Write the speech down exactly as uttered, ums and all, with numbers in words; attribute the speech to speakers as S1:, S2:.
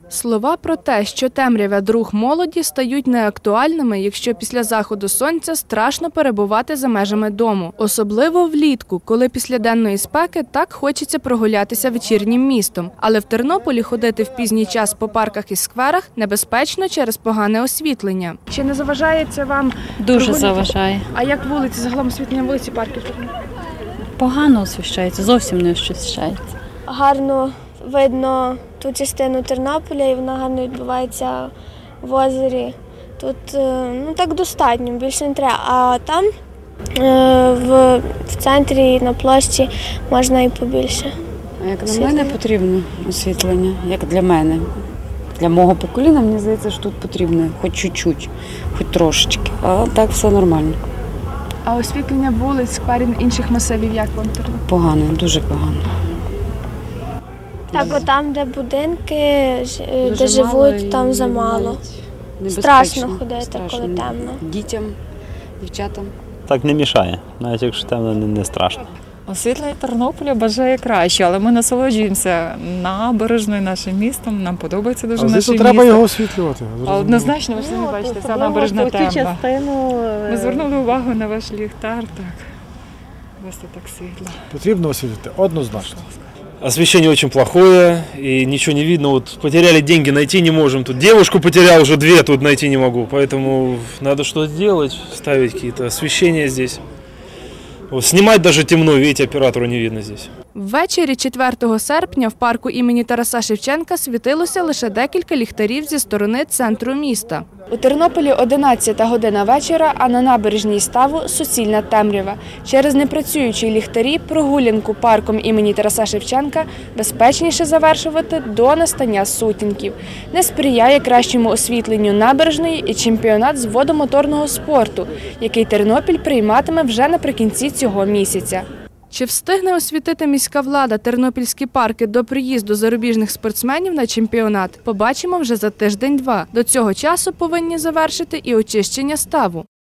S1: Слова про те, що темрява – друг молоді, стають неактуальними, якщо після заходу сонця страшно перебувати за межами дому. Особливо влітку, коли після денної спеки так хочеться прогулятися вечірнім містом. Але в Тернополі ходити в пізній час по парках і скверах небезпечно через погане освітлення. Чи не заважає це вам?
S2: Дуже заважає.
S1: А як вулиці, загалом освітлення вулиці, парків?
S2: Погано освіщається, зовсім не освіщається.
S3: Гарно видно ту частину Тернополя, і вона гарно відбувається в озері. Тут ну, так достатньо, більше не треба. А там в, в центрі, на площі можна і побільше.
S4: А як на мене потрібно освітлення, як для мене. Для мого покоління, мені здається, що тут потрібно хоч чуть-чуть, хоч трошечки, а так все нормально.
S1: А освітлення вулиць, скверів, інших масивів як вам?
S4: Погано, дуже погано.
S3: Так, там, де будинки,
S4: Дуже
S3: де живуть, там
S4: і
S3: замало.
S4: Небезпечно.
S3: Страшно ходити,
S4: Страшно.
S3: коли темно.
S4: Дітям, дівчатам.
S5: Так не мішає, навіть якщо темно, не, не страшно.
S6: Освітлення Тернополя бажає краще, але ми насолоджуємося набережною, нашим містом, нам подобається дуже наше місто.
S7: треба його освітлювати.
S6: А однозначно, ви ж самі бачите, ця набережна темна. Ми звернули увагу на ваш ліхтар, так. Ось це так світло.
S7: Потрібно освітлити, однозначно.
S8: Освещение очень плохое, и ничего не видно. Вот потеряли деньги, найти не можем. Тут девушку потерял, уже две тут найти не могу. Поэтому надо что-то делать, ставить какие-то освещения здесь. Вот, снимать даже темно, видите, оператору не видно здесь.
S1: Ввечері четвертого серпня в парку імені Тараса Шевченка світилося лише декілька ліхтарів зі сторони центру міста. У Тернополі одинадцята година вечора, а на набережній Ставу – суцільна темрява. Через непрацюючі ліхтарі прогулянку парком імені Тараса Шевченка безпечніше завершувати до настання сутінків. Не сприяє кращому освітленню набережної і чемпіонат з водомоторного спорту, який Тернопіль прийматиме вже наприкінці цього місяця. Чи встигне освітити міська влада тернопільські парки до приїзду зарубіжних спортсменів на чемпіонат, побачимо вже за тиждень-два. До цього часу повинні завершити і очищення ставу.